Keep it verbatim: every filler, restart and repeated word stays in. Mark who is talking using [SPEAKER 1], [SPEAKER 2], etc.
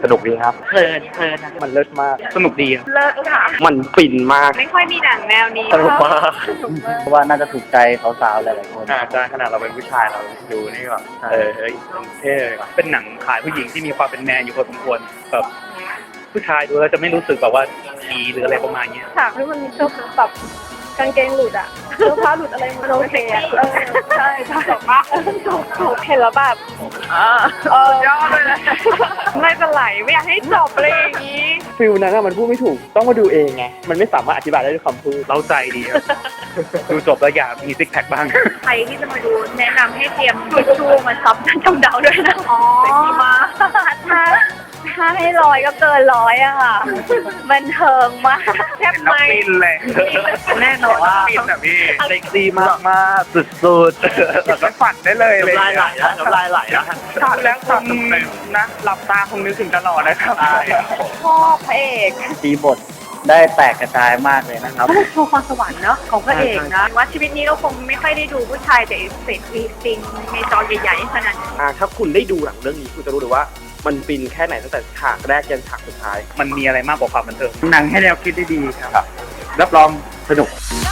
[SPEAKER 1] สนุกดีครับ
[SPEAKER 2] เพลินเพลินนะ
[SPEAKER 1] มันเลิศมากสนุกดี
[SPEAKER 2] เลิศค่ะ
[SPEAKER 1] มันฟินมาก
[SPEAKER 2] ไม่ค่อยมีหนังแนวนี้
[SPEAKER 1] สนุกมาก
[SPEAKER 3] เพราะว่าน่าจะถูกใจสาวๆหลายๆคน
[SPEAKER 1] อาจารย์ขนาดเราเป็นผู้ชายเราดูนี่ก็เออเฮ้ยมันเท่เลยว่ะเป็นหนังขายผู้หญิงที่มีความเป็นแมนอยู่พอสมควรแบบผู้ชายดูแล้วจะไม่รู้สึกแบบว่าผีหรืออะไรประมาณเนี้ย
[SPEAKER 4] ฉากที่มันมีเสื้อแบบกางเกงหลุดอะเสื้อผ้าหลุดอะไรมันโอเคอะเออใช่ใช่จบมากจบจบเห็นแล้วแบบเออยอดเลยนะไม่เป็นไรไม่อยากให้จบเลยอย่างนี้
[SPEAKER 1] ฟิลนั้นอะมันพูดไม่ถูกต้องมาดูเองไงมันไม่สามารถอธิบายได้ด้วยคำพูดเราใจดีครับ ดูจบแล้วอยากมีซิกแพคบ้าง
[SPEAKER 2] ใครที่จะมาดูแนะนำให้เตรียมทิชชู่มาซับจำเดาด้วยนะอ๋อมาถ้าถ้าให้ร้อยก็เกินร้อยอะค่ะบันเทิงมากแทบไม่
[SPEAKER 1] ฟินเลย
[SPEAKER 2] แน่นอนว่า
[SPEAKER 1] ฟินแบบพี่เซ็กซี่มากมากสุดๆแล้วฝันได้เลยเลย
[SPEAKER 3] น้ำลายไหลนะน้ำลายไหลนะ
[SPEAKER 1] ทำแล้วคงนะหลับตาคงนึกถึงตลอดนะครับ
[SPEAKER 2] ชอบพระเอก
[SPEAKER 3] ตีบทได้แตกกระจายมากเลยนะครับ
[SPEAKER 2] ก็โชว์ความสวรรค์เนาะของพระเอกนะว่าชีวิตนี้เราคงไม่ค่อยได้ดูผู้ชายแต่เสร็จฟีซิงในจอใหญ่ๆขนาดนี้
[SPEAKER 1] อ่าถ้าคุณได้ดูหนังเรื่องนี้คุณจะรู้เลยว่ามันฟินแค่ไหนตั้งแต่ฉากแรกยันฉากสุดท้าย มันมีอะไรมากกว่าความบันเทิง
[SPEAKER 3] หนังให้แนวคิดได้ดีครับ รับรองสนุก